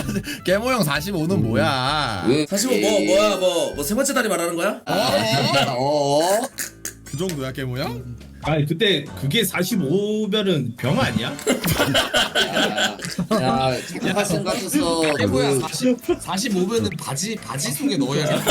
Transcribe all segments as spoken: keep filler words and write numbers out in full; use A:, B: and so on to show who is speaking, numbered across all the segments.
A: 개모형 사십오는 뭐야?
B: 왜?
C: 사십오 뭐 뭐야 뭐 뭐 세 번째 다리 말하는 거야?
B: 어?
A: 그 정도야 개모형?
D: 아니 그때 그게 사십오면은 병 아니야?
B: 야, 착각하신 것 같아서 그
E: 사십오면은 바지 바지 속에 넣어야 돼.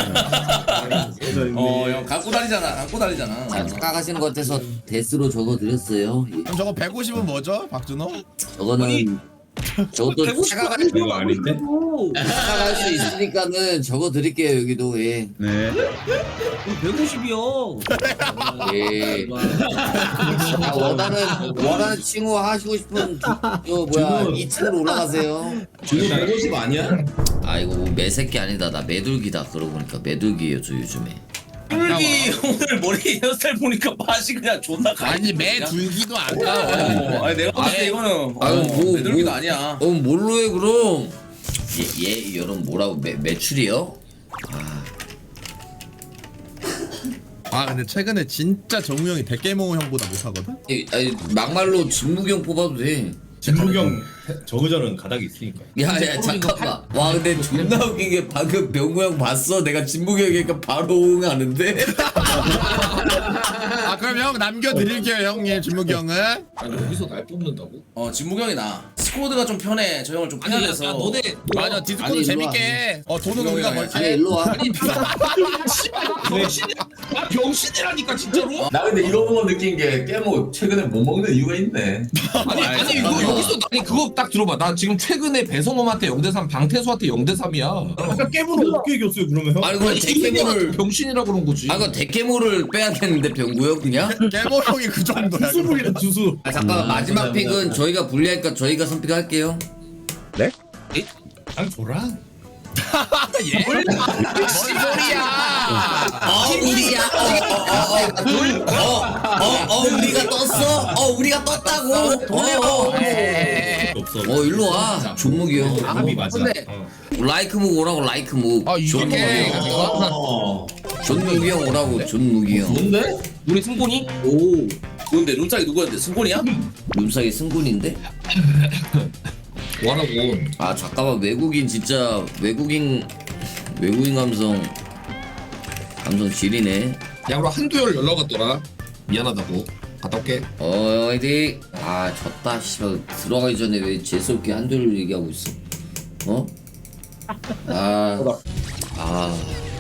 C: 어형 갖고 다니잖아 갖고 다니잖아.
B: 자, 착각하시는 것 같아서 데스로 적어드렸어요. 예.
A: 그럼 저거 백오십은 뭐죠, 박준호?
B: 저거는 저것도 착각할,
D: 이거 아닌데?
B: 착각할 수 있으니까는 적어드릴게요 여기도. 예.
D: 네.
E: 백오십이요.
B: 예. 아, 원하는 원하는 칭호 하시고 싶은 저 뭐야 이 층으로 올라가세요.
C: 준호 백오십 아니야?
B: 아 이거 뭐 매새끼 아니다 나 매둘기다. 그러고 보니까 매둘기예요 저 요즘에.
C: 꿀기 오늘 머리 헤어스타일 보니까 맛이 그냥 존나 가.
A: 아니 매 둘기도 아까워.
C: 어, 아니 내가 봤을 때 이거는
B: 아유,
C: 어,
B: 뭐,
C: 매들기도
B: 뭐.
C: 아니야.
B: 어 뭘로 해 그럼? 얘, 얘 여러분 뭐라고 매, 매출이요?
A: 아 근데 최근에 진짜 정우 형이 대개모 형보다 못하거든?
B: 이, 아니, 막말로 진무경 뽑아도 돼.
D: 진무경 저그전은 가닥이 있으니까.
B: 야야 잠깐만. 와 근데 존나 웃긴 게 방금 병구 형 봤어? 내가 진무경이니까 바로 응하는데.
A: 아 그럼 형 남겨드릴게요 형님 진무기 형은.
E: 아니 여기서 날 뽑는다고?
C: 어 진무경이 나. 스쿼드가 좀 편해. 저 형을 좀
E: 아니 야,
C: 편해서.
E: 야 너네
A: 맞아 디스코드
B: 아니, 일로
A: 재밌게 해. 어 돈은 우리가
B: 아니
A: 벌게.
B: 일로 와.
E: 병신이야. 아 병신이라니까 진짜로.
F: 나 근데 이런 거 느낀 게 깨모 최근에 못 먹는 이유가 있네.
E: 아니 아니 이거 여기서 아니 그거 딱 들어봐. 나 지금 최근에 배성범한테 영 대 삼, 방태수한테 영 대 삼이야.
D: 아까 깨물은 어떻게 이겼어요 그러면 형?
B: 아니 그럼 대개모를
E: 병신이라 그런 거지.
B: 아 그럼 대개모를 빼야겠는데 병구 형 그냥?
A: 개모 형이 그 정도야.
D: 투수북이다 투수.
B: 아 잠깐 마지막 픽은 저희가 불리하니까 저희가 선픽할게요.
D: 아 줘라.
A: 예? 뭔 소리야?
B: 어 우리야. 어어어어 우리가 떴어? 어 우리가 떴다고? 어.
D: 없어.
B: 어 일로 와. 존무기 형.
D: 합이 맞아.
A: 근데-
D: 어.
B: 라이크 묵 오라고 라이크 묵.
A: 아 이게
B: 존무기 형.
F: 어.
B: 존무기 형 오라고 존무기 형.
C: 뭔데?
E: 우리 승곤이?
C: 오. 누군데 룸짝이 누구였는데 승곤이야?
B: 룸사기 승군인데?
E: 뭐하라고?
B: 아 잠깐만 외국인 진짜 외국인 외국인 감성 감성 지리네.
E: 야 우리 한두열 연락 왔더라. 미안하다고. 갔다 올게.
B: 어 화이팅. 아 졌다 씨발 들어가기 전에 왜 재수없게 한둘 얘기하고 있어? 어? 아. 아.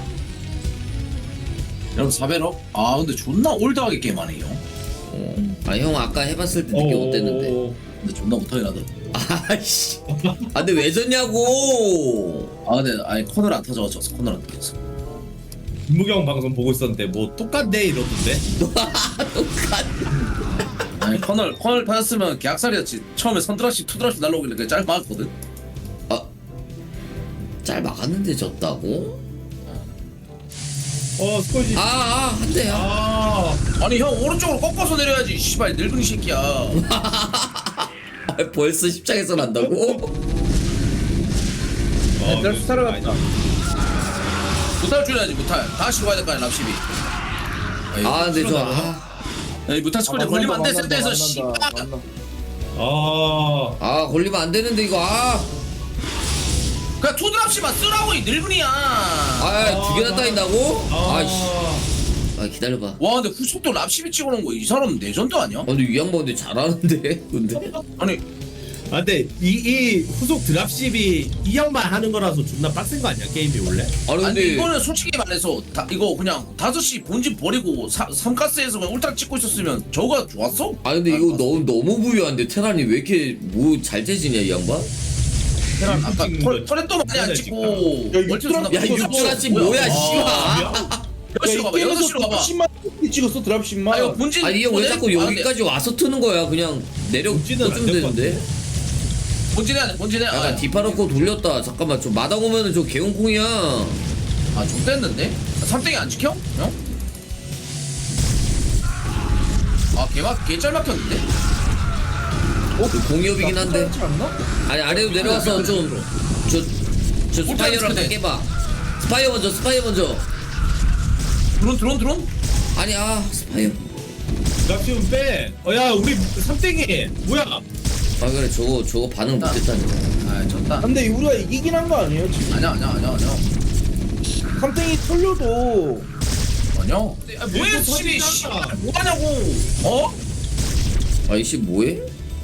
C: 여러분 사백억? 아 근데 존나 올드하게 게임하네 형.
B: 아 형 아까 해봤을 때 느낌 어땠는데?
D: 어.
C: 근데 존나 못하긴 하더라.
B: 아씨. 아 근데 왜 졌냐고.
C: 아 근데 아니 코너를 안 터져 졌어 코너를 안 터졌어.
D: 진무경 방송 보고 있었는데 뭐 똑같네 이러던데.
C: 아니 커널 커널 터졌으면 계약살이었지. 처음에 선드랍십 투드랍십 날라오길래 그냥 짧 막았거든.
B: 잘 막았는데 졌다고?
D: 어 스코지.
B: 아아 한대야.
D: 아.
C: 아니 형 오른쪽으로 꺾어서 내려야지. 씨발 늙은이 새끼야.
B: 아, 벌써 십장에서 난다고?
D: 어,
C: 내가 수사를 갔다. 무탈 줄여야지 무탈. 다시 와야 될 거 아니야 납십이.
B: 아 근데 저 아,
C: 이 무탈 스쿼드 걸리면 안돼 센터에서 씨발.
D: 아.
B: 아 걸리면 안 되는데 이거 아.
C: 그냥 투드랍십만 쓰라고 이 늙은이야.
B: 아두 개나 따인다고?
D: 아.
B: 아이씨. 아 기다려봐.
C: 와 근데 후속도 랍십이 찍어놓은 거 이 사람 레전드 아니야?
B: 아 근데 이 양반 근데 잘하는데 근데.
C: 아니
D: 아 근데 이, 이 후속 드랍십이 이 형만 하는 거라서 존나 빡센 거 아니야 게임이 원래?
B: 아니
C: 아니
B: 근데
C: 이거는 솔직히 말해서 다, 이거 그냥 다섯 시 본진 버리고 사, 삼가스에서 그냥 울트라 찍고 있었으면 저거가 좋았어?
B: 아 근데 이거 너무 너무 부유한데 테란이 왜 이렇게 뭐 잘 재지냐 이 양반?
C: 테란 아까
D: 찍는
C: 털-
D: 거
C: 털에도 많이 안
D: 찍는
C: 찍고
D: 야,
C: 멀티 존나
B: 야 육주라지 뭐야 씨발.
C: 여섯 시로 가봐 여섯 시로 가봐.
G: 십만 찍었어 드랍십만.
C: 아 이거 본진
B: 아니 이 형 왜
C: 본진-
B: 자꾸
C: 아, 근데
B: 여기까지 와서 트는 거야? 그냥 내려
D: 본진은 안
B: 꽂으면
D: 될것
B: 되는데.
C: 본진에 안해 본진에
B: 약간
C: 아,
B: 디파놓고 돌렸다. 잠깐만 저 마당 오면은 저 개운콩이야.
C: 아 좋댔는데? 삼땡이 안 지켜? 형? 아 개막 개짤 막혔는데?
B: 그 공이업이긴 한데. 아니 아래로 내려와서 좀 저 저 스파이어랑 다 깨봐. 스파이어 먼저 스파이어 먼저.
C: 드론 드론 드론?
B: 아니 아 스파이어.
D: 드랍십은 빼. 어야 우리 삼땡이 뭐야?
B: 아 그래 저거 저거 반응 못했다니까.
C: 아 아 졌다.
G: 근데 우리가 이기긴 한 거 아니에요 지금?
C: 아니야 아니야 아니야 아니야.
G: 삼땡이 털려도
C: 아니야. 아, 뭐해 씨비 씨. 뭐하냐고. 어?
B: 아이씨 뭐해?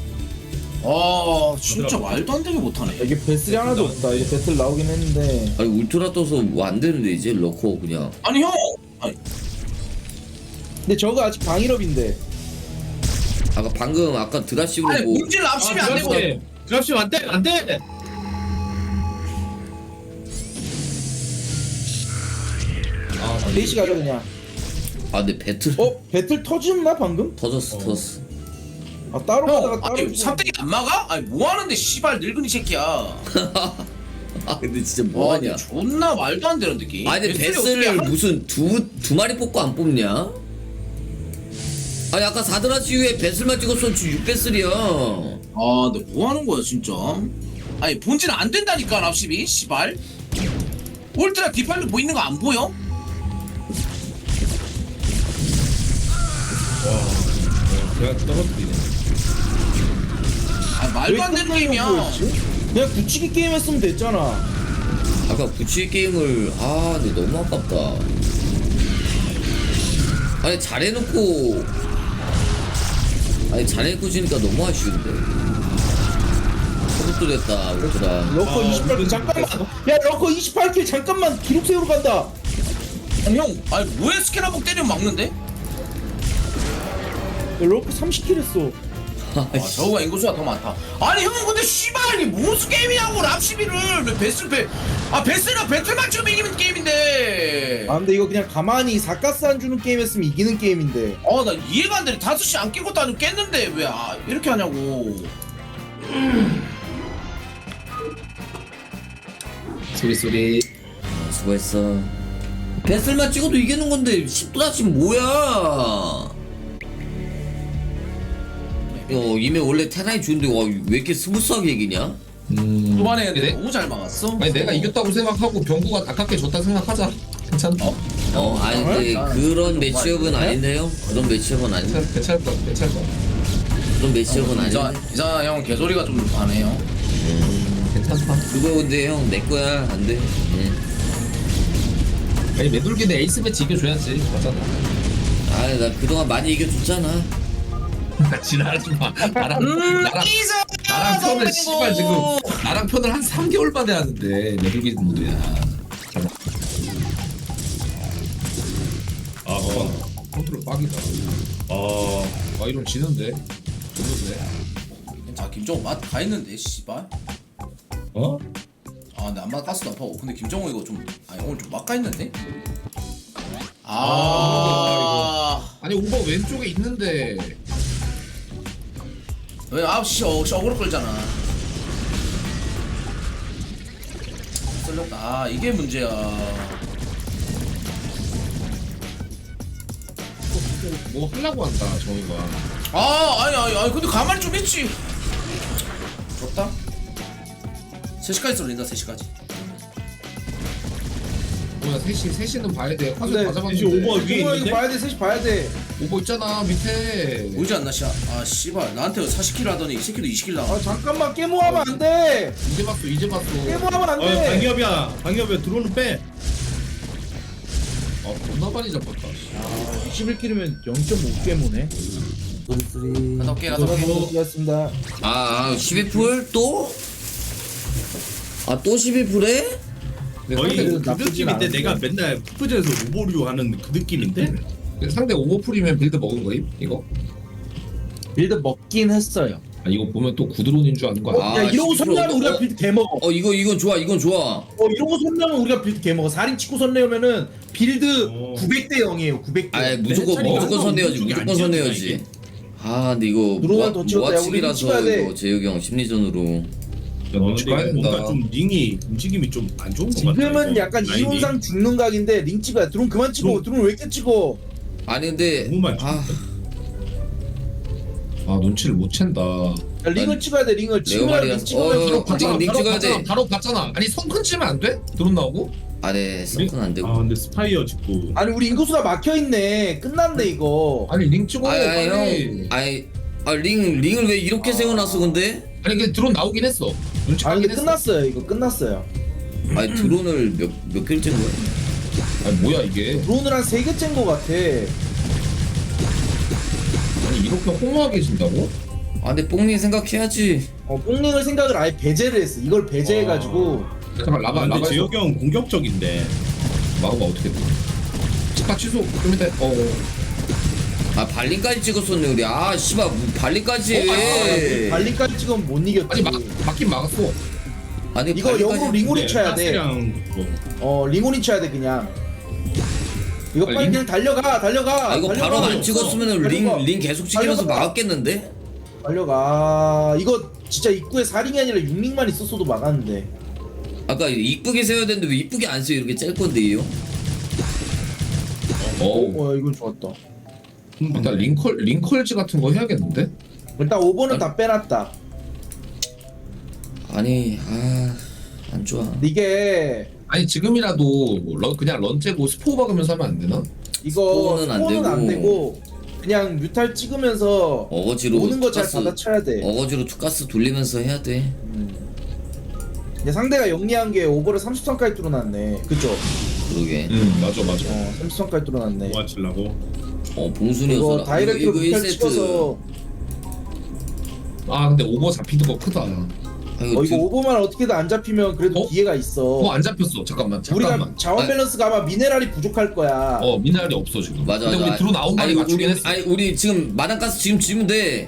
C: 아 진짜 말도 안 되게 못하네.
G: 이게 배슬이 하나도 없다. 이제 배틀 나오긴 했는데
B: 아니 울트라 떠서 뭐 안 되는데 이제 러커 그냥.
C: 아니 형. 아니,
G: 근데 저거 아직 방일업인데
B: 아까 방금 아까 드라시브로
C: 아니
B: 뭐
C: 본질 랍십이 안 되고.
D: 드랍십 안돼 안돼.
G: 레이시 가자 그냥.
B: 아 근데 배틀
G: 어? 배틀 터졌나 방금?
B: 터졌어 터졌어.
G: 아 따로 가다가
C: 형,
G: 따로
C: 아니
G: 주고.
C: 삼땡이 안 막아? 아니 뭐 하는데 씨발 늙은이 새끼야.
B: 아 근데 진짜
C: 와,
B: 뭐하냐.
C: 존나 말도 안 되는 느낌.
B: 아니
C: 배슬이
B: 베스를
C: 어떻게 한-
B: 무슨 두 두 마리 뽑고 안 뽑냐? 아니 아까 사드라시유에 베슬만 찍었으면 지금 육 베슬이야.
C: 아, 근데 뭐 하는 거야 진짜? 아니 본질 안 된다니까 랍십이 씨발. 울트라 디팔로 보이는 거 안 보여?
D: 내가 떨어뜨리네.
C: 아 말도 안 되는 게임이야.
G: 그냥 굳히기 게임 했으면 됐잖아.
B: 아까 부치 게임을 아 근데 너무 아깝다. 아니 잘해놓고 아니 잘해놓고 지니까 너무 아쉬운데. 소속도 됐다 울트라.
G: 러커
D: 아,
G: 이십팔 킬 잠깐만. 야 러커 이십팔 킬 잠깐만 기록 세우러 간다.
C: 아니 형, 아니 뭐해 스캔 한번 때리면 막는데?
G: 야, 러커 삼십 킬 했어.
C: 아 저거가 인구수가 더 많다. 아니 형 근데 씨발 이게 무슨 게임이냐고 랍십이를 왜 베슬 베... 아 베슬이랑 배틀만 좀 이기면 게임인데.
G: 아 근데 이거 그냥 가만히 사가스 안 주는 게임 했으면 이기는 게임인데.
C: 아 나 이해가 안 되네. 다섯 시 안 낀 것도 아니고 깼는데 왜 아, 이렇게 하냐고.
E: 소리 소리.
B: 아, 수고했어. 베슬만 찍어도 이기는 건데 십 도다시 뭐야? 어 이메 원래 테라이 주는데 와 왜 이렇게 스무스하게 이기냐?
E: 음.
C: 초반에
E: 그래?
C: 너무 잘 막았어.
E: 아니 내가 이겼다고 생각하고 병구가 아깝게 졌다 생각하자. 괜찮다.
B: 어 아니 근데
C: 아,
B: 그런
C: 네?
B: 매치업은 아닌데요? 그런 매치업은 아닌데
E: 괜찮 괜찮을 것 같아. 괜찮을 것 같아.
B: 그런 매치업은
C: 이자
B: 아닌데
C: 이자 형 개소리가 좀 많네요.
E: 괜찮다.
B: 그거 근데 형 내 거야 안돼.
E: 아니 매돌기는 에이스 매치 이겨줘야지. 맞잖아.
B: 아나 그동안 많이 이겨줬잖아.
E: 지랄하지 마. 나랑 나랑
C: 이자
E: 나랑 편을 씨발 지금 나랑 편을 한 삼 개월 만에 하는데 매돌기 모드야. 아, 어. 컨트롤 빡이다. 아, 아 이런 지는데. 좋은데.
C: 자 김정우 맛다 했는데 씨발.
D: 어?
C: 아 근데 안마 가스도 아파고. 근데 김정우 이거 좀 아니 오늘 좀 막가 했는데. 아.
E: 아니 오버 왼쪽에 있는데.
C: 왜 아홉 시 어, 어그로 끌잖아. 쓸렸다. 아 이게 문제야.
E: 뭐 하려고 한다 정우가.
C: 아 아니 아니 아니 근데 가만히 좀 있지. 좋다. 세 시까지 쏠린다. 세 시까지.
E: 뭐야 셋이 셋이는 봐야 돼. 화질
G: 근데
E: 다 잡았는데.
D: 이제 오버 위에
G: 이거 이거
D: 있는데?
G: 봐야 돼. 셋이 봐야 돼.
E: 오버 있잖아 밑에.
C: 보이지 않나 씨. 아 씨발 나한테 사십 킬 하더니 이 새끼도 이십 킬 나와.
G: 아 잠깐만 깨모하면 안 돼.
E: 이제 봤어 이제 봤어.
G: 깨모하면 안
D: 어
G: 돼.
D: 방기업이야. 방기업이야. 들어오는 빼.
E: 아 존나 많이 잡았다.
G: 이십일 킬이면 영 점 오 깨모네.
C: 갔다 올게 갔다 올게.
G: 수고하셨습니다.
B: 아, 아 십이 풀 또? 아 또 십이 풀에?
D: 거의
G: 상대
D: 그
G: 나쁘진
D: 느낌인데
G: 않은데.
D: 내가 맨날 푸프전에서 오버류 하는 그 느낌인데?
E: 상대 오버 풀이면 빌드 먹은 거임 이거?
G: 빌드 먹긴 했어요.
E: 아 이거 보면 또 구드론인 줄 아는 거야.
B: 아,
G: 야 이러고
B: 십일 풀
G: 선내면 우리가
B: 어?
G: 빌드 개먹어.
B: 어 이거 이건 좋아 이건 좋아.
G: 어 이러고 선내면 우리가 빌드 개먹어. 살인 치고 선내면은 빌드
D: 어.
G: 구백 대 영이에요. 구백 대.
B: 아 무조건
D: 해찬이가
B: 무조건 선내야지
D: 오른쪽이
B: 무조건
D: 안
B: 선내야지.
D: 지었나,
B: 아 근데 이거
G: 드론을 더 찍었다. 야, 우리
B: 모아치기라서
G: 찍어야 돼.
B: 이거 재혁이 형 심리전으로.
E: 야,
D: 어,
E: 눈치
D: 근데
E: 봐야 된다.
D: 뭔가 좀 링이 움직임이 좀 안 좋은 것 같아.
G: 지금은
D: 이거.
G: 약간
D: 라인이.
G: 이론상 죽는 각인데 링 찍어야. 드론 그만 찍어.
D: 드론.
G: 드론 왜 이렇게 찍어?
B: 아니 근데
D: 너무 많이
B: 아
E: 아 눈치를 못 챈다.
G: 야, 링을
B: 난-
G: 찍어야 돼. 링을 찍으면
B: 레오마리아
G: 링 찍으면
B: 어,
G: 바로
B: 어,
G: 봤잖아.
B: 링
E: 바로
B: 찍어야
E: 봤잖아.
B: 돼.
E: 바로 봤잖아. 아니 손큰 치면 안 돼? 드론 나오고?
B: 아네 썩은 안 되고.
D: 아 근데 스파이어 짓고
G: 아니 우리 인구수가 막혀 있네. 끝났네 이거.
E: 아니 링 찍어
B: 아니 아니
E: 빨리.
B: 형 아니 아 링 링을 왜 이렇게 세워놨어 근데?
E: 아니 근데 드론 나오긴 했어. 눈치
G: 아니
E: 까긴
G: 근데
E: 했어.
G: 끝났어요. 이거 끝났어요.
B: 아니 드론을 몇 몇 개를 짠 거야?
E: 아니 뭐야 이게?
G: 드론을 한 세 개 짠 거 같아.
E: 아니 이렇게 허무하게 진다고?
B: 아 근데 뽕님 생각해야지.
G: 어 뽕링을 생각을 아예 배제를 했어. 이걸 배제해가지고
E: 잠깐 라바
D: 아, 근데
E: 라바
D: 재혁이 형 공격적인데.
E: 막아봐 어떻게 돼? 치파 취소 좀 이따 어.
B: 아 발린까지 찍었었네 우리. 아 씨발 뭐 발린까지
E: 어,
B: 해.
G: 발리까지 찍으면 못 이겼지.
E: 아니 막 막긴 막았어.
B: 아니
G: 이거
B: 발린까지
G: 영으로 링오리 쳐야 돼.
D: 가스랑 그거.
G: 어 링오리 쳐야 돼 그냥. 이거
E: 아,
G: 빨리
E: 링-
G: 그냥 달려가 달려가.
B: 아 이거
G: 달려가.
B: 바로 안 찍었으면
G: 달려가.
B: 링 링 계속 찍으면서
G: 달려가.
B: 막았겠는데?
G: 달려가. 이거 진짜 입구에 사 링이 아니라 육 링만 있었어도 막았는데.
B: 아까 이쁘게 세워야 되는데 왜 이쁘게 안 세워? 이렇게 짤 건데 이요?
E: 어.
G: 어 이건 좋았다.
E: 일단 링컬 링컬즈 같은 거 해야겠는데?
G: 일단 오 번은 다 빼놨다.
B: 아니 아 안 좋아.
G: 근데 이게
E: 아니 지금이라도 런, 그냥 런째고 스포 박으면서 하면 안 되나?
G: 이거
B: 스포는 안
G: 스포는 안
B: 되고.
G: 되고 그냥 뮤탈 찍으면서
B: 어거지로
G: 오는 거 잘
B: 투가스-
G: 받아쳐야 돼.
B: 어거지로 투가스 돌리면서 해야 돼.
G: 근데 상대가 영리한 게 오버를 삼십 선까지 뚫어놨네. 그죠?
B: 그러게.
E: 응 맞아 맞아.
G: 어 삼십 선까지 뚫어놨네.
D: 뭐 하려고?
B: 어
G: 이거
B: 봉순이었어.
G: 다이렉트로
B: 이거
G: 뮤탈
B: 일 세트.
G: 찍어서
E: 아 근데 오버 잡히는 거 크다.
B: 아,
G: 어 이거
B: 지금-
G: 오버만 어떻게든 안 잡히면 그래도
E: 어?
G: 기회가 있어.
E: 어 안 잡혔어. 잠깐만 잠깐만.
G: 우리가 자원
B: 아니.
G: 밸런스가 아마 미네랄이 부족할 거야.
E: 어 미나리 없어 지금.
B: 맞아
E: 근데
B: 맞아.
E: 우리 드론 아홉 마리
B: 아니,
E: 맞추긴
B: 우리,
E: 했어.
B: 아니 우리 지금 마당가스 지금 지면 돼.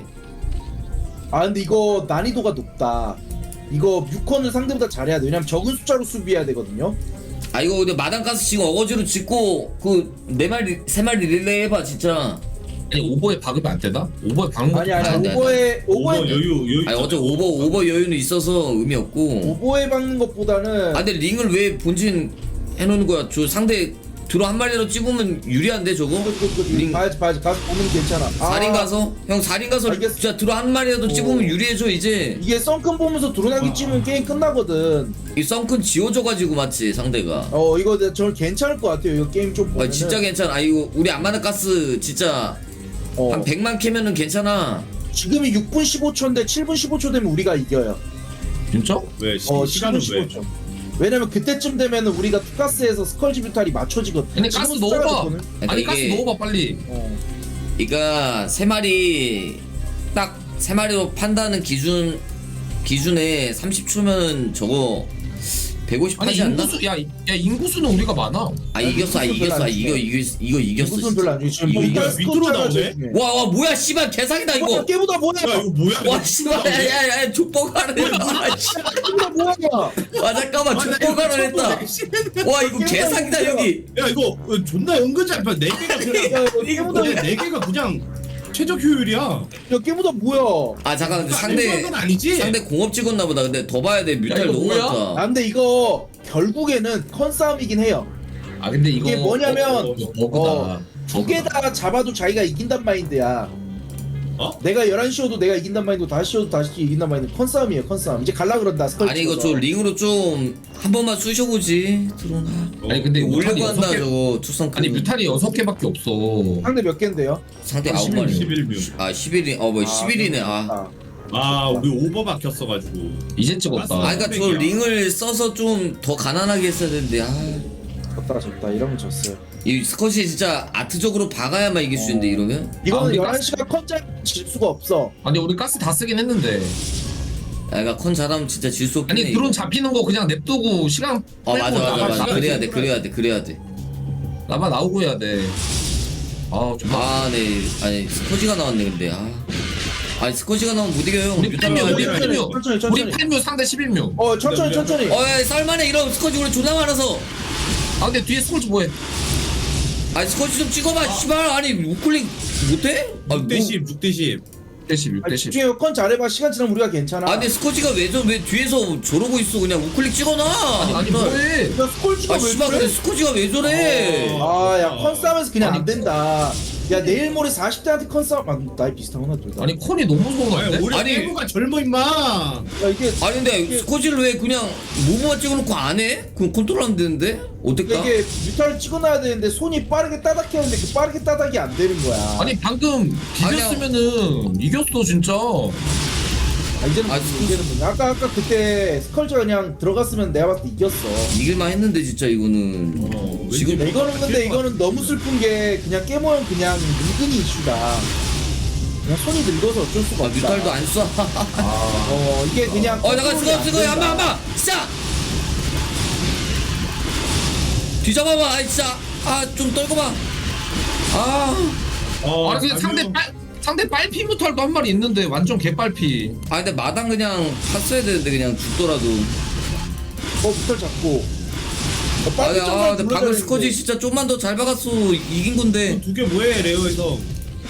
G: 아 근데 이거 난이도가 높다. 이거 뮤컨을 상대보다 잘해야 돼. 왜냐면 적은 숫자로 수비해야 되거든요.
B: 아 이거 근데 마당가스 지금 어거지로 짓고 그 네 마리 세 마리 릴레이 해봐 진짜.
E: 아니 오버에 박으면 안 되나? 오버에 박는 것도
G: 아니
B: 안
G: 아니
B: 돼, 안
G: 오버에
D: 오버
G: 오버에
D: 여유 여유.
B: 아니 어제 오버 오버 여유는 있어서 의미 없고.
G: 오버에 박는 것보다는
B: 아 근데 링을 왜 본진 해놓는 거야? 저 상대 드로 한 마리로 찝으면 유리한데 저거?
G: 그, 그, 그,
B: 링
G: 봐야지 봐야지 가서 보면 괜찮아.
B: 사 인 가서? 형 사 인 가서
G: 알겠어.
B: 진짜 드로 한 마리라도
G: 오.
B: 찝으면 유리해져 이제.
G: 이게 썬큰 보면서 드론하기 찌면 게임 끝나거든.
B: 이 썬큰 지워져가지고 맞지 상대가.
G: 어 이거 내- 저는 괜찮을 것 같아요. 이거 게임 좀
B: 아
G: 보면은.
B: 진짜 괜찮아. 아 이거 우리 안마나 가스 진짜
G: 어,
B: 한 백만 캐면은 괜찮아.
G: 지금이 육 분 십오 초인데 칠 분 십오 초 되면 우리가 이겨요.
E: 진짜?
D: 왜 시,
G: 어
D: 시간은
G: 칠 분
D: 왜?
G: 십오 초. 왜냐면 그때쯤 되면은 우리가 투가스에서 스컬지 뮤탈이 맞춰지거든.
E: 아니 가스
G: 지금 숫자가
E: 넣어봐.
G: 좋거든.
E: 아니
B: 그러니까
E: 가스
B: 이게-
E: 넣어봐 빨리.
G: 어.
B: 그러니까 세 마리 딱 세 마리로 판다는 기준 기준에 삼십 초면 저거 백오십
E: 아니
B: 하지 않나?
E: 인구수 야, 야 인구수는 우리가 많아.
B: 아 이겼어, 아
G: 인구수는
B: 이겼어, 아
G: 별로 안
B: 이거
G: 중요해.
B: 이거 이거 이겼어.
G: 무슨 별로 안 좋지. 지금
B: 이거
G: 뮤탈
B: 이겼어.
D: 밑으로
G: 스쿼드가
D: 나오네?
G: 제일 중요해.
B: 와, 와 뭐야, 씨발 개사기다
G: 와,
B: 이거.
G: 깨보다 뭐야?
D: 야 이거 뭐야?
B: 와, 씨발, 야야야, 족보가를 했다.
G: 깨보다 뭐야?
B: 와 잠깐만, 족보가를 했다. 와 이거 개사기다 여기.
D: 야 이거 어, 존나 은근 잘 봐. 네 개가 그냥
G: 야, 이거 깨보다
D: 근데 네 개가 그냥 최적 효율이야.
G: 야 깨보다 뭐야?
B: 아 잠깐, 근데
D: 상대
B: 상대
D: 건 아니지?
B: 상대 공업 찍었나 보다. 근데 더 봐야 돼. 뮤탈
E: 이거
B: 너무
E: 뭐야?
G: 아
B: 많다.
G: 근데 이거 결국에는 컨싸움이긴 해요.
E: 아 근데 이거
G: 이게 뭐냐면,
E: 어, 어, 버그다.
G: 어, 두 개 다 잡아도 자기가 이긴단 마인드야.
D: 어?
G: 내가 열한 시여도 내가 이긴단 마인드, 다섯 시여도 다시 이긴단 마인드. 컨싸움이에요, 컨싸움. 이제 갈라 그런다, 스컬.
B: 아니 이거 저 링으로 좀 한 번만 쑤셔보지. 들어오나.
E: 아니 근데 뮤탈이
B: 올려고
E: 여섯
B: 한다
E: 개.
B: 저거 투성.
E: 아니 뮤탈이 여섯 개밖에 없어.
G: 상대 몇 개인데요?
B: 상대 아홉 마리.
D: 십일 뮤.
B: 아 십일이 어뭐 십일이네. 아.
D: 아 우리 오버 박혔어가지고.
E: 이제 찍었다.
B: 아 그러니까 저 링을 써서 좀 더 가난하게 했어야 되는데 아.
G: 졌다, 졌다. 이러면 졌어요.
B: 이 스컷이 진짜 아트적으로 박아야만 이길 수 있는데 이러면?
G: 이거는
E: 우리
G: 열한 시가 컨짜 질 수가 없어.
E: 아니 우리 가스 다 쓰긴 했는데.
B: 아 그러니까 컨 잘하면 진짜 질 수 없겠네.
E: 아니 드론 잡히는 거 그냥 냅두고 시간.
B: 어 맞아
E: 빼고
B: 맞아
E: 나가,
B: 맞아.
E: 시간
B: 그래야 돼
E: 빼고
B: 그래야 돼 그래야 돼.
E: 나만 나오고 해야 돼. 아 정말.
B: 아 네. 아니 스코지가 나왔네 근데 아. 아니 스코지가 나오면 못 이겨요.
E: 우리
B: 뮤탄
E: 팔 뮤,
B: 나와야
E: 우리
B: 돼.
E: 팔 뮤.
G: 천천히, 천천히.
E: 우리 팔 뮤 상대 십일 뮤.
G: 어, 천천히, 천천히.
B: 어야 쌀만해 이런 스코지 우리 존나 많아서.
E: 아 근데 뒤에 스콜즈 뭐해?
B: 아니 스코지 좀 찍어봐 씨발. 아니 우클릭 못해? 아
D: 육 대
B: 뭐-
D: 십, 육 대 십.
E: 육 대 십, 육 대
G: 아니,
E: 십.
G: 집중해. 컨 잘해봐. 시간 지나면 우리가 괜찮아.
B: 아 근데 스코지가 왜 저 왜 뒤에서 저러고 있어 그냥 우클릭 찍어놔.
E: 아니 뭐해?
G: 야, 스콜지가
B: 아
G: 왜
B: 씨발
G: 그래?
B: 근데 스코지가 왜 저래?
G: 아, 야, 컨싸움에서 그냥
E: 아니,
G: 안 된다. 야, 내일 모레 사십 대한테 컨싸움. 아, 나이 비슷하구나, 둘 다.
E: 아니 콘이 너무 좋은 거
D: 아니
E: 같은데?
D: 우리
B: 아니.
D: 깨부가 젊어 임마.
G: 야, 이게,
B: 아니 근데 스코지를 왜 그냥 모모만 찍어놓고 안 해? 그럼 컨트롤 안 되는데? 어떨까?
G: 이게 뮤탈을 찍어놔야 되는데 손이 빠르게 따닥해야 하는데 그 빠르게 따닥이 안 되는 거야.
E: 아니 방금 비겼으면은 이겼어 진짜.
G: 아 이제는
B: 아,
G: 무슨 이제는 무슨 아까 아까 그때 스컬지가 그냥 들어갔으면 내가 봤을 때 이겼어.
B: 이길만 했는데 진짜 이거는
D: 어,
B: 지금
D: 왠지
G: 이거는 근데 이거는 너무 슬픈 게 그냥 깨모형 그냥 늙은이 이슈다. 그냥 손이 늙어서 어쩔 수가
B: 아,
G: 없다.
B: 뮤탈도 안 쏴.
G: 어 이게 그냥
B: 어 잠깐
G: 컨트롤이
B: 쓰고
G: 안
B: 쓰고
G: 된다.
B: 한번 한번 시작. 뒤잡아봐. 아 진짜 아 좀 떨고 봐. 아.
D: 어,
E: 아 근데 상대 빨 상대 빨피 무탈도 한 마리 있는데 완전 개빨피.
B: 아 근데 마당 그냥 탔어야 되는데 그냥 죽더라도.
G: 어 뮤탈 잡고. 어,
B: 아,
G: 빨리
B: 아
G: 점사
B: 근데 방금 스코지 진짜 좀만 더 잘 박았어 이긴 건데.
D: 두개 뭐해 레어에서.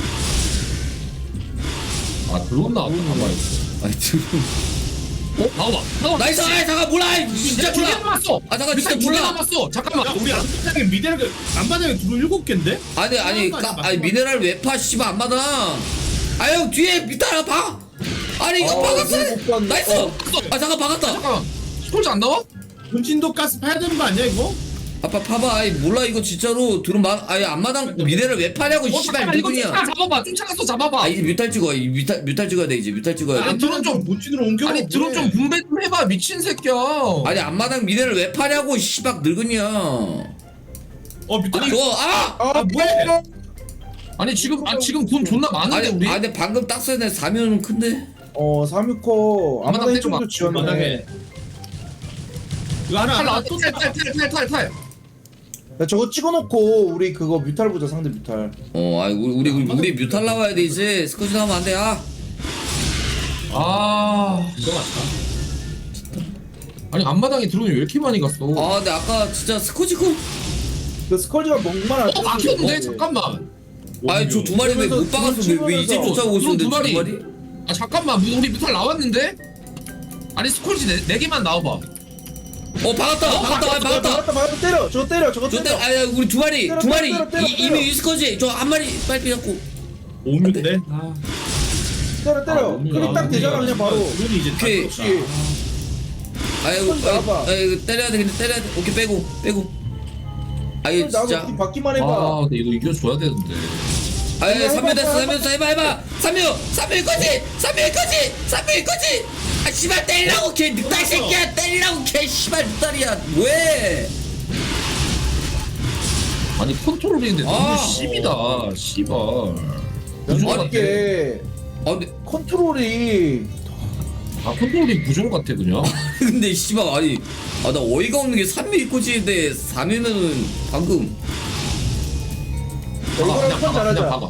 E: 아 드론 나왔다 한 마리.
B: 아니 지금.
E: 어 나와봐. 나와.
B: 나이스. 아 잠깐 몰라. 진짜
E: 두개
B: 몰라.
E: 남았어.
B: 아 잠깐 진짜
E: 두개
B: 몰라.
E: 남았어. 잠깐만.
D: 야 우리 안바닥에 미대를 안바닥에 두루 일곱 개인데?
B: 아니 아니 까, 아니 미네랄 웨파 씨발 안 받아. 아유 뒤에 밑에 봐. 아니 이거
G: 어,
B: 박았어.
G: 이거 못 봤네.
B: 나이스.
G: 어.
B: 아 잠깐 박았다.
E: 잠깐만. 스콜지 안 나와?
D: 분진도 가스 파야 되는 거 아니야 이거?
B: 아빠 봐봐. 아이 몰라 이거 진짜로 들은 마 아예 앞마당 미네랄 왜 파냐고
E: 어
B: 씨발
E: 잠깐만 이거
B: 누구냐.
E: 쫓아 잡아봐. 쫓아가서 잡아봐.
B: 아 이제 뮤탈 찍어. 이 뮤탈 뮤탈 찍어야 돼 이제 뮤탈 찍어야 돼.
E: 아니, 드론 좀-
D: 분진으로 옮겨.
E: 아니 드론 좀 분배 좀 해봐 미친 새끼야.
B: 아니 앞마당 미네랄 왜 파냐고 씨발 늙은이야.
D: 어 밑에
E: 아니,
B: 저 아.
G: 아
D: 뭐야?
E: 아니 지금 아 지금 돈 존나 많은데
B: 아니
E: 우리.
B: 아 근데 방금 딱 써야 돼. 사면은 큰데.
G: 어 삼육호
E: 아마도
G: 아마도
E: 때려봐.
G: 이쪽도 지었네.
D: 바닥에. 이거 하나
E: 탈
D: 하나
E: 나와
D: 또
E: 또탈탈탈탈 탈.
G: 야 저거 찍어놓고 우리 그거 뮤탈 보자 상대 뮤탈.
B: 어 아이 우리 우리 우리 뮤탈 나와야 돼 이제. 스쿼시 나오면 안 돼. 아.
E: 아
D: 이거 맞다.
E: 아니 앞마당에 드론이 왜 이렇게 많이 갔어? 어
B: 아 근데 아까 진짜 스쿼지 그.
G: 그 스컬지가 멍만 안
E: 막혔는데 잠깐만.
B: 아니 저 두 마리 왜 못 박았어? 왜, 왜 이제
G: 치면서
B: 쫓아오고 있었는데
E: 두
B: 두
E: 마리.
B: 마리?
E: 아 잠깐만 우리 뮤탈 나왔는데? 아니 스콜지 네, 네 개만 나와봐.
B: 어 박았다 박았다 아, 박았다.
G: 박았다 박았다 때려 저거 때려 저거
B: 저 때,
G: 때려.
B: 아야 우리 두 마리
G: 때려,
B: 두 마리
G: 때려, 때려,
B: 이,
G: 때려.
B: 이미 위스커지 저 한 마리 빨리 잡고.
D: 오뮤인데. 아.
G: 때려 때려.
D: 아,
G: 클릭 딱 되잖아 그냥 바로.
D: 드론이 이제
B: 오케이.
D: 다
G: 그렇지.
B: 아이고
G: 손 잡아.
B: 아이고 아이고, 때려야 돼 근데 때려야 돼. 오케이 빼고 빼고. 아이
G: 나도
B: 진짜.
G: 우리 받기만 해봐.
E: 아 근데 이거 이겨줘야 되는데.
B: 아이
G: 해봐,
B: 삼 秒됐어
G: 해봐,
B: 삼 秒됐어 해봐 해봐. 삼 秒삼 秒거지 삼 秒거지 삼 秒거지. 아 씨발 때리라고 개 늑달 새끼야 때리라고 개 씨발 늑달이야 뭐해?
E: 아니 컨트롤인데 너무
B: 아.
E: 씨비다 씨발. 부족 같아.
G: 이게
B: 아 근데
G: 컨트롤이
E: 아 컨트롤이 부족 같아 그냥.
B: 근데 씨발 아니 아 나 어이가 없는 게 삼 秒 꼬지인데 사 秒면은 방금
E: 박아
G: 이거랑
E: 그냥
G: 편
E: 박아 그냥
G: 잘하자.
E: 박아.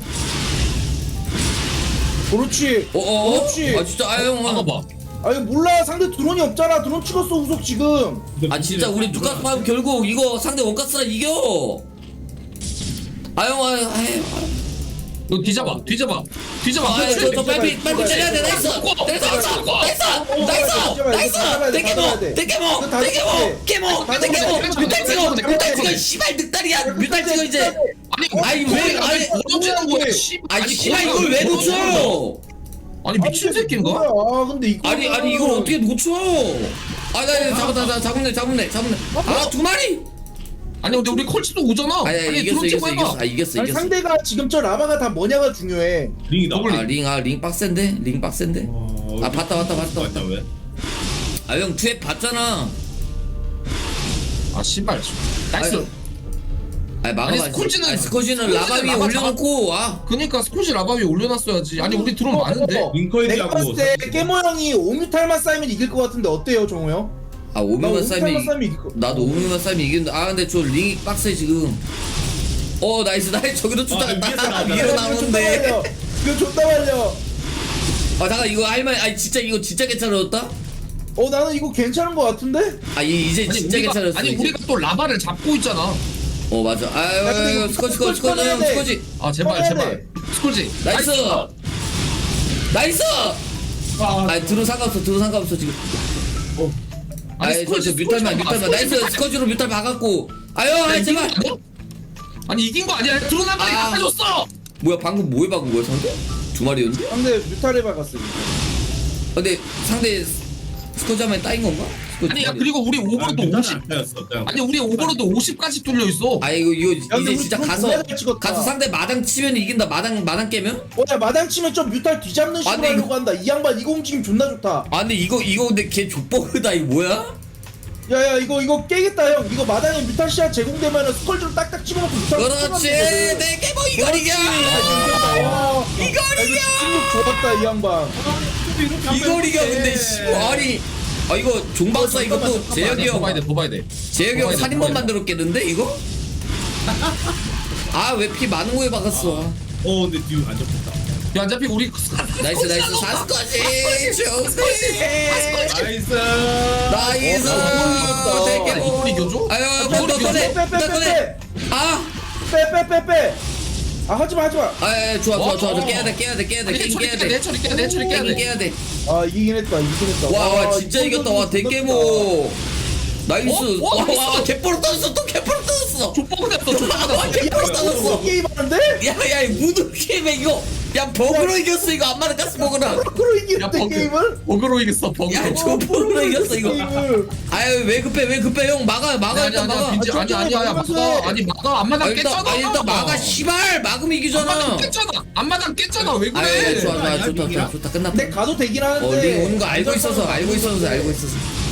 G: 그렇지.
B: 어어
G: 그렇지.
B: 아 진짜 아형
E: 박아봐.
G: 아 이거 몰라 상대 드론이 없잖아. 드론 찍었어 후속 지금.
B: 아 진짜 우리 누가 파면 결국 이거 상대 원가스라 이겨. 아형 아형 아형
E: 너 뒤잡아 뒤잡아 뒤잡아.
B: 아,
E: 그렇지.
B: 저, 저 빨리 빨리 때려야 돼. 나이스. 나이스. 나이스. 나이스. 나이스. 대게모. 대게모. 대게모. 게모. 대게모. 뮤탈 찍어. 뮤탈 찍어. 씨발 늑다리야. 뮤탈 찍어 이제.
E: 아니
B: 아니, 왜, 아니,
E: 어쩌는 거야 씨.
B: 아니 씨발 이걸 왜 놓쳐?
E: 아니 미친 새끼인가?
G: 아 근데 이거
B: 아니 아니 이걸 어떻게 놓쳐? 아나 잡았다 나 잡았네 잡았네 잡았네. 아 두 마리.
E: 아니 근데 우리 컬치도 오잖아.
B: 아니 아니 이겼어
E: 드론 찍고
B: 이겼어
E: 해봐.
B: 이겼어. 아 이겼어
G: 아니
B: 이겼어.
G: 상대가 지금 저 라바가 다 뭐냐가 중요해.
D: 링이 나와.
B: 아 링 아 링 빡센데 링 빡센데.
D: 어,
B: 아 봤다 봤다 봤다
D: 맞다
B: 봤다.
D: 왜?
B: 아 형 투앱 봤잖아.
E: 아 씨발. 나이스.
B: 아니, 아니 막아봐.
E: 아니, 스콜지는-
B: 아니, 스콜지는
E: 스콜지는
B: 라바 위에
E: 라바
B: 올려놓고 아.
E: 그니까 스콜지 라바 위에 올려놨어야지. 아니 우리 드론 많은데.
G: 어,
D: 링커이드하고
G: 내가 봤을 때 깨모 형이 오뮤탈만 쌓이면 이길 것 같은데 어때요 정우 형?
B: 아
G: 나
B: 오미만
G: 오뮤탈만
B: 싸이면
G: 쌓이면 이길 것.
B: 나도 오미만 싸이면 이기는데 아 근데 저 링이 빡세 지금. 어 나이스 나이스 저기로 쫓아갔다.
D: 위에서
B: 위로 나오는데.
G: 이거 존나 말려.
B: 아 잠깐 이거 할만 아니 진짜 이거 진짜 괜찮아졌다?
G: 어 나는 이거 괜찮은 것 같은데?
B: 아 이, 이제
E: 아니
B: 진짜
E: 우리가
B: 괜찮았어.
E: 아니
B: 이제.
E: 우리가 또 라바를 잡고 있잖아.
B: 어 맞아.
G: 야, 근데
B: 아유
G: 이거
B: 스코지 스코지 스코지
G: 꺼내야
B: 형
G: 돼.
B: 스코지.
E: 아 제발
G: 꺼내야
E: 제발.
G: 돼.
E: 스콜지.
B: 나이스. 나이스. 아 들어 상관없어 들어 상관없어 지금.
E: 아니,
B: 아니
E: 스콜지,
B: 저저 뮤탈만
E: 스콜지
B: 뮤탈만
E: 봐,
B: 나이스
E: 스콜지
B: 스코지로 뮤탈 박았고. 아유 아이
E: 이긴 거
B: 제발.
E: 아니야? 아니 이긴 거 아니야? 드론 한 마리
B: 아.
E: 갖다 줬어.
B: 뭐야 방금 뭐에 박은 거야 상대? 두 마리였는데?
G: 상대 뮤탈에 박았어.
B: 근데 상대 스코지 하면 따인 건가?
E: 아니 야 그리고 우리 오버로드 오십 아니 우리 오버로드 오십까지 뚫려 있어.
B: 아 이거 이거
G: 근데
B: 이제
G: 우리
B: 진짜
G: 드론
B: 가서
G: 존나 잘 찍었다.
B: 가서 상대 마당 치면 이긴다. 마당 마당 깨면?
G: 어야 마당 치면 좀 뮤탈 뒤잡는 식으로
B: 근데
G: 하려고
B: 이거-
G: 한다. 이 양반 이거 움직임 존나 좋다.
B: 아 근데 이거 이거 근데 걔 족버그다. 이거 뭐야?
G: 야야 이거 이거 깨겠다 형. 이거 마당에 뮤탈 시야 제공되면은 스컬 좀 딱딱 집어넣고 뮤탈
B: 그렇지. 내 깨모 이걸 이겨.
G: 이걸 이겨. 승력 좋았다 이 양반.
B: 이걸 이겨. 근데 씨 아니 아 이거 종박사 이것도 재혁이
E: 더 봐야
B: 형
E: 돼더 봐야 돼.
B: 재혁이 형
E: 더 봐야 돼,
B: 살인범
E: 더 봐야 돼.
B: 만들었겠는데 이거? 아 왜 피 많은 거에 박았어?
D: 어 근데 뒤 안 잡혔다.
E: 야 어차피 우리
B: 나이스 나이스 사스까지 좋지.
D: 나이스.
B: 나이스.
G: 어,
B: 대깨모.
E: 이걸 이겨줘?
B: 아유 너 꺼내 너 꺼내. 아.
G: 빼빼빼빼빼. 아 하지마 하지마.
B: 아 좋아 좋아 좋아 깨야 돼 깨야 돼 깨야 돼
E: 아니,
B: 게임
E: 처리
B: 깨야
E: 깨야 돼, 처리 깨야 돼, 처리 깨야
B: 돼
E: 돼.
B: 깨야 돼.
G: 아 이기긴 했다 이기긴 했다.
B: 와, 와 진짜
G: 이거
B: 이겼다. 와
G: 존나
B: 대깨모. 나이스.
E: 어? 어,
B: 와,
E: 나이스.
B: 와 개뽀로 떠졌어. 또 개뽀로 떠졌어.
E: 족보가 됐어 족보가
B: 와
E: 됐어.
B: 개뽀로
G: 좋다.
B: 떠졌어.
G: 게임 하는데?
B: 야야 이 무드 게임에 이거 야 버그로 이겼어 이거 안 맞아 가스 버그랑.
G: 프로
E: 야
G: 이기는데
E: 버그
G: 게임을?
E: 버그로 이겼어 버그로.
B: 야저 버그로 이겼어 이거.
G: 게임을.
B: 아유 왜 급해 왜 급해 형 막아 막아
E: 아니
B: 일단
E: 아니
B: 막아.
E: 아니 빈지 아니 아니 아니 막아 아니 막아 앞마당
B: 아, 일단
E: 깼잖아.
B: 아 일단 막아 씨발 막으면 이기잖아.
E: 앞마당 깼잖아. 앞마당 깼잖아 왜
B: 아유
E: 그래?
B: 좋아 좋아 좋다 좋다 좋다 끝났다.
G: 근데 가도 되긴 하는데.
B: 어 링 오는 거 알고 있어서 알고 있어서 알고 있어서.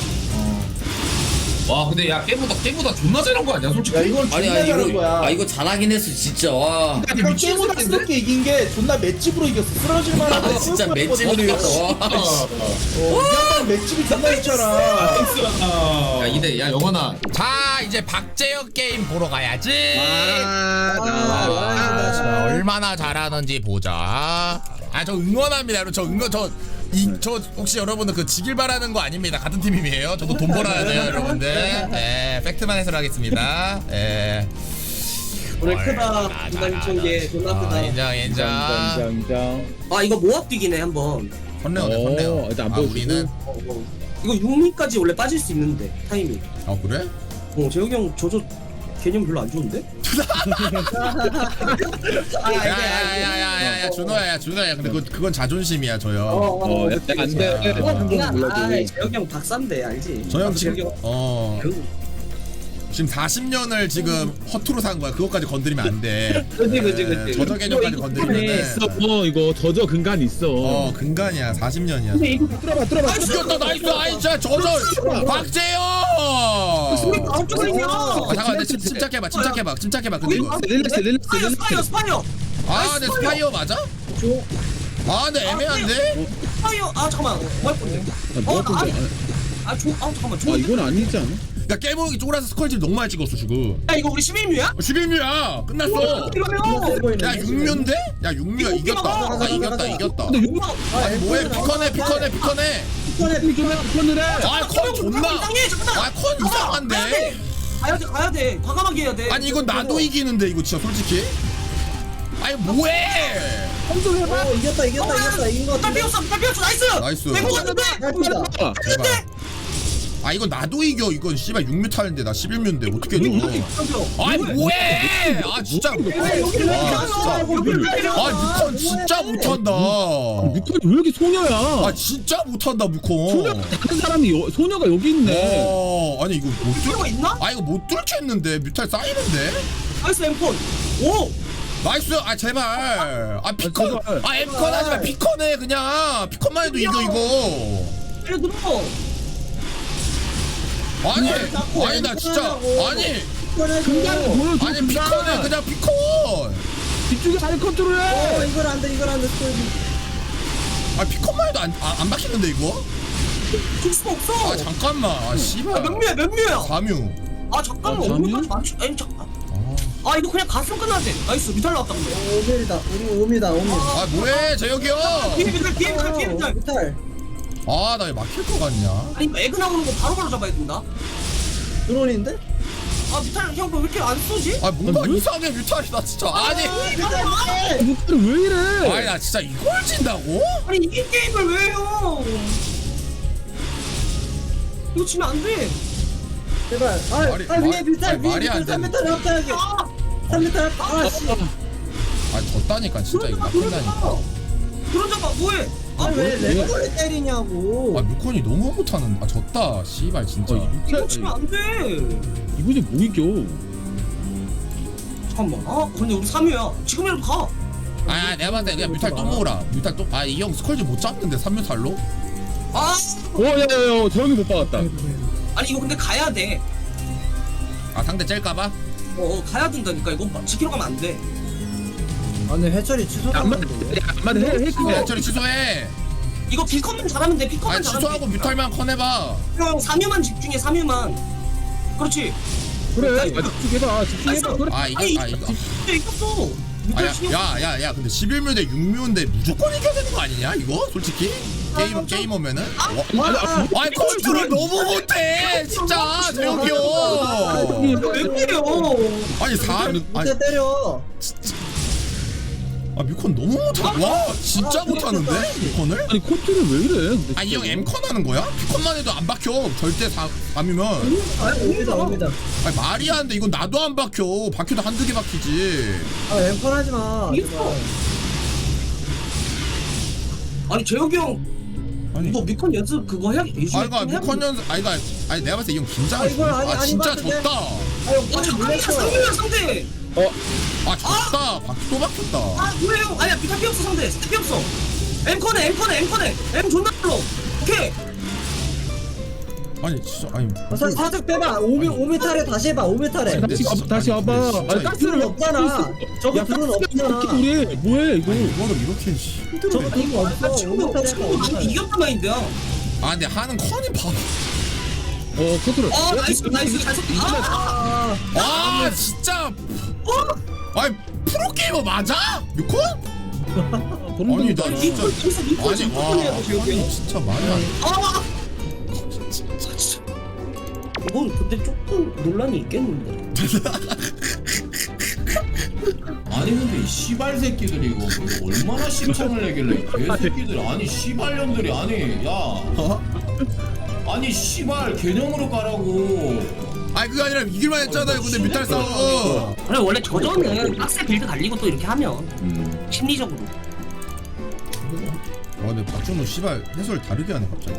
E: 와 근데 야 깨보다 깨보다 존나 잘한 거 아니야 솔직히?
G: 야 이건
B: 아니
G: 존나
B: 아니
G: 잘한
B: 이거
G: 거야.
B: 아 이거 잘하긴 했어 진짜 와.
G: 약간 게임보다스럽게 이긴 게 존나 맷집으로 이겼어. 쓰러질 만한.
B: 아 진짜 맷집으로 이겼어. 와.
G: 어, 이 양반 맷집이 존나 좋잖아.
E: 야 이대 야 영원아.
A: 자 이제 박재혁 게임 보러 가야지.
G: 아,
A: 아, 자, 얼마나 잘하는지 보자. 아 저 응원합니다. 여러분 저 응원 저 이 저 혹시 여러분들 그 지길 바라는 거 아닙니다. 같은 팀이에요. 저도 돈 벌어야 돼요, 여러분들. 예, 팩트만 해설하겠습니다. 예.
H: 오늘 크다. 인간 이천 개 존나
A: 아,
H: 크다.
A: 인정 인정.
G: 인정 인정.
H: 아 이거 모압 뛰기네 한번.
A: 선레어네 선레어.
G: 일단 안
A: 아
G: 보여주고.
A: 우리는
H: 어, 어. 이거 육 미까지 원래 빠질 수 있는데 타이밍.
A: 어 그래?
H: 어 재욱이 형 저저 개념 별로 안 좋은데? 아 이게 아,
A: 야야야야야 준호야 야 준호야 근데 그 그건 자존심이야 저요.
H: 어,
G: 약간 안 돼.
H: 어,
G: 한
H: 그냥
G: 번
H: 아
G: 몰라도.
H: 재욱이 형 박사인데 알지?
A: 저 형
H: 나도
A: 지금
H: 재욱이 형
A: 어 지금 사십 년을 지금 허투루 산 거야. 그것까지 건드리면 안 돼.
H: 그지 그지
A: 예,
H: 그지.
A: 저저 개념까지 건드리면은
I: 어 이거 저저 근간 있어.
A: 어 근간이야. 사십 년이야.
H: 근데 이거
G: 들어봐 들어봐.
A: 아 죽였다 나이스 아이 진짜 저저 박재영.
H: 소리 나올 줄 있냐?
A: 아, 잠깐만 내 침- 침착해봐 침착해봐 침착해봐 근데 이거
G: 릴렉스 릴렉스
H: 스파이어 스파이어 스파이어
A: 아 근데 스파이어 맞아? 아 근데 애매한데?
H: 스파이어 아 잠깐만 뭐 할 건데? 어 아니 아조아 잠깐만 조.
G: 이건 아니지 않아?
A: 야 깨몽이 쪼그라서 스컬집 너무 많이 찍었어 지금.
H: 야 이거 우리 십일 뮤야?
A: 십일 뮤야 끝났어.
H: 이러면
A: 야 육 뮤인데? 야 육 뮤야 이겼다. 아 이겼다 이겼다.
H: 근데 육만
A: 아니 뭐해 피커네 피커네 피커네.
G: 피컨을 해.
A: 아컨 존나.
H: 이상해 잠깐만.
A: 아컨 이상한데?
H: 가야 돼 가야 돼 과감하게 해야 돼.
A: 아니 이건 나도 이기는데 이거 진짜 솔직히. 아니 뭐해?
H: 어 이겼다 이겼다 이겼다 이긴 거. 딸 피웠어 딸 피웠어 나이스.
A: 나이스.
H: 된거 같은데.
A: 제발. 아 이건 나도 이겨 이건 씨발 육 뮤 타는데 나 십일 뮤인데 어떻게 이겨? 아니 뭐해? 아 진짜. 아 진짜. 아 뮤컨 진짜 못한다.
I: 뮤컨이 왜 이렇게 소녀야?
A: 아 진짜 못한다 뮤컨.
I: 다른 사람이 여, 소녀가 여기 있네.
A: 어 아니 이거 못 뚫.
H: 이거 있나?
A: 아 이거 못 뚫겠는데 뮤탈 쌓이는데.
H: 나이스 엠폰. 오.
A: 나이스 아 제발. 아 피컨. 아 엠컨 하지마 피컨해 그냥. 피컨만 해도 이겨 이거.
H: 빨리 들어.
A: 아니 아니 나 진짜 아니
I: 근간을 보여줘.
A: 아니 피컨해 그냥 피컨.
I: 뒤쪽에 잘 컨트롤해.
H: 이걸 안 돼 이걸 안 돼.
A: 아 피컨만 해도 안, 안, 안 박히는데 이거?
H: 줄 수가 없어.
A: 아 잠깐만 아
H: 아,
A: 씨발
H: 몇 뮤야 몇 뮤야.
A: 사 뮤.
H: 아 잠깐만
I: 아,
H: 오뮤까지 맞추. 아니 잠깐. 아 이거 그냥 갔으면 끝나지. 나이스 미탈 나왔다 근데.
J: 오밀이다. 우리 오미다. 오미.
A: 아 뭐해 재혁이 형.
H: 뒤에 미탈 뒤에 미탈 뒤에 미탈.
J: 미탈.
A: 아 나 왜 막힐 것 같냐?
H: 아니 이거 에그 나오는 거 바로바로 잡아야 된다.
J: 드론인데?
H: 아 미탈 형왜 이렇게 안 쏘지?
A: 아 뭔가 이상해 뮤탈이 나 진짜 아니
I: 뮤컨이 왜 이래?
A: 아니 나 진짜 이걸 진다고?
H: 아니 이긴 게임을 왜 해요? 이거 지면 안 돼.
J: 제발. 아,
A: 말이-
J: 아 위에
A: 말-
J: 미탈
A: 아니,
J: 위에
A: 말이 안
J: 미탈 삼
A: 되네.
J: 미터 합쳐야지.
H: 아,
J: 삼 미터 합. 아 씨.
A: 아 졌다니까 진짜 이거
H: 그런
A: 막힌다니까.
H: 잡아. 그런 잡아 뭐해?
J: 아니 왜 레버를 때리냐고.
A: 아 뮤컨이 너무 못하는. 아 졌다. 씨발 진짜.
H: 이거 치면 안돼.
I: 이거 이제 뭐 이겨?
H: 잠깐만. 아 근데 우리 삼 위야. 지금이라도 가.
A: 아, 아 내가 봤을 때 그냥 뮤탈 또 모으라. 뮤탈 또. 아 이 형 스컬지 못 잡는데 삼 뮤탈로?
H: 아
I: 어, 야야야, 저 형이 못 박았다.
H: 아니 이거 근데 가야 돼.
A: 아 상대 짤까봐?
H: 어, 어 가야 된다니까 이거 지키러 가면 안 돼.
J: 아니 해철이
I: 안
J: 취소했는데.
I: 맞, 안 맞아. 해, 해,
A: 야 처리 취소해.
H: 이거 비컨만 잘하면 돼. 비컨만
A: 아
H: 잘하면
A: 취소하고
H: 돼.
A: 뮤탈만 커내봐.
H: 형 삼 위만 집중해. 삼 위만. 그렇지.
I: 그래. 아, 집중해봐. 집중해봐. 그래.
A: 아 이거
H: 아니,
A: 아 이거.
H: 근데 이겼어.
A: 아야야야야 근데 십일 뮤 대 육 뮤인데 무조건 이겨야 되는 거 아니냐 이거 솔직히 게임 게이머면은 와, 아니 컨트롤 너무 못해 진짜 재혁이 형.
H: 왜 때려?
A: 아니 사 아니
J: 밑에 때려.
A: 아 뮤컨 너무 못하. 와 진짜 못하는데 뮤컨을?
I: 아니 코트를 왜 이래? 근데
A: 아 이 형 엠컨 하는 거야? 뮤컨만 해도 안 박혀 절대 사 삼이면.
J: 아니 옵니다 옵니다.
A: 아니 말이 안 돼 이건 나도 안 박혀 박혀도 한두 개 박히지.
J: 아 엠컨 하지 마.
H: 이겼어. 아니 재혁이 형.
A: 아니
H: 너 미컨 연습 그거 해야 예시.
A: 아 이거 뮤컨 연습 아니 이거 아니 내가 봤을 때 이 형 긴장.
J: 아, 이걸 아니-
A: 아
J: 아니
A: 진짜
J: 봤는데?
A: 졌다.
J: 아형
H: 아
J: 오늘
H: 잠깐만
J: 놀랬어.
H: 상대야 상대.
A: 아 졌다. 박 또 박혔다.
H: 아 뭐예요? 아니야 비타 피 없어 상대. 스텝 피 없어. 엠컨에 엠컨에 엠컨에 엠 존나 불러. 오케이.
A: 아니 진짜 아니
J: 사- 살짝 빼봐. 오미 오미 탈에 다시 해봐. 오미 탈에.
A: 근데
I: 다시
A: 진짜-
I: 와봐. 다시
A: 아니,
I: 와봐.
A: 근데 진짜
I: 아니
A: 이거-
I: 가스를
J: 드론 없잖아. 저거
I: 야,
J: 드론
I: 가스가
J: 없잖아.
I: 어떻게 우리 뭐해 이거?
A: 아니 이거를 이렇게 힘들어.
J: 저거 드론 없어.
H: 친구
J: 오미 탈에
H: 친구
J: 해봐.
H: 많이 이겼단 마인드야.
A: 아 근데 하는 컨이 봐.
I: 어 코트를.
H: 어 나이스 나이스 잘 섞. 아.
J: 아
A: 아 진짜. 아니 프로게이머 맞아? 뮤콘? 아니 나
H: 아니
A: 진짜.
H: 이거 진짜 미컨
A: 아니
H: 진짜
A: 와
H: 해야 돼 재혁이 형.
A: 아니, 진짜 말이 안 돼.
H: 아. 이건 근데 조금 논란이 있겠는데.
F: 아니 근데 이 씨발 새끼들이 이거 뭐 얼마나 심창을 내길래 이 개새끼들 아니 씨발년들이 아니 야 아니 씨발 개념으로 가라고.
A: 아니 그게 아니라 이길만 했잖아요 근데 뮤탈 싸움.
H: 그래 원래 저전은 빡세 빌드 달리고 또 이렇게 하면
I: 음.
H: 심리적으로.
A: 와 근데 박준호 씨발 해설 다르게 하네 갑자기.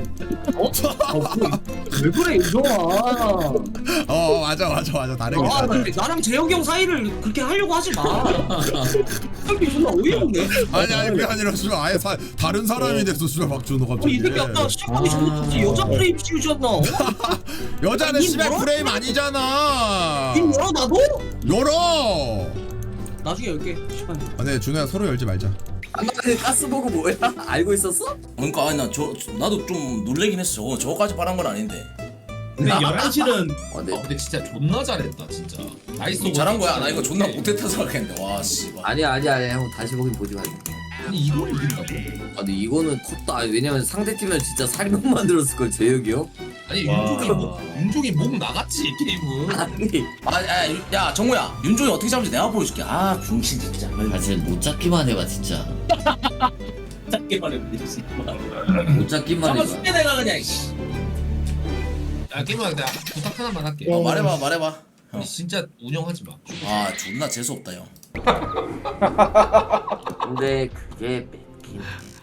H: 왜 그래 이정아.
A: 어 맞아 맞아 맞아 다르게.
H: 아,
A: 하네.
H: 나, 나랑 재혁이 형 사이를 그렇게 하려고 하지 마. 형이 존나 어이없네.
A: 아니 아니 그게 아니라 씨발 아예 사, 다른 사람이 됐어 씨발 박준호
H: 어,
A: 갑자기.
H: 이 새끼 아까 시작하기 전부터 여자 프레임 씌우셨나?
A: 여자는
H: 아니,
A: 씨발
H: 열어?
A: 프레임 아니잖아.
H: 님 열어 나도?
A: 열어.
H: 나중에 열게. 시간.
A: 아, 네 준호야 서로 열지 말자.
B: 가스 보고 뭐야? 알고 있었어?
K: 그러니까 아니 나 저 나도 좀 놀래긴 했어. 저거 저거까지 빨한 건 아닌데.
D: 근데 열한 시는
B: 어,
E: 아
B: 네.
E: 근데 진짜 존나 잘했다 진짜. 나이스.
K: 잘한 거야. 나 이거 존나 못했다 생각했는데. 와 씨발.
B: 아니야 아니야 아니야 형 다시 보긴 보지 마.
E: 아니 이걸 이긴다고?
B: 아 근데 이거는 컸다. 아니, 왜냐면 상대팀은 진짜 살인범 만들었을 걸 재혁이 형.
E: 아니 윤종이 목 윤종이 목 나갔지 게임은.
B: 아니
K: 아, 야, 유- 야 정우야. 윤종이 어떻게 잡을지 내가 보여줄게. 아 병신 진짜.
B: 사실 못 잡기만 해봐 진짜.
K: 짧게만 해보지 씨발.
B: 못 잡기만
K: 한번
B: 해봐.
K: 숙제 내가 그냥. 씨.
E: 야 게임아 내가 부탁 하나만 할게.
K: 어, 말해봐 말해봐. 형.
E: 진짜 운영하지 마.
K: 아 존나 재수 없다 형.
B: 근데 그게 뺏긴.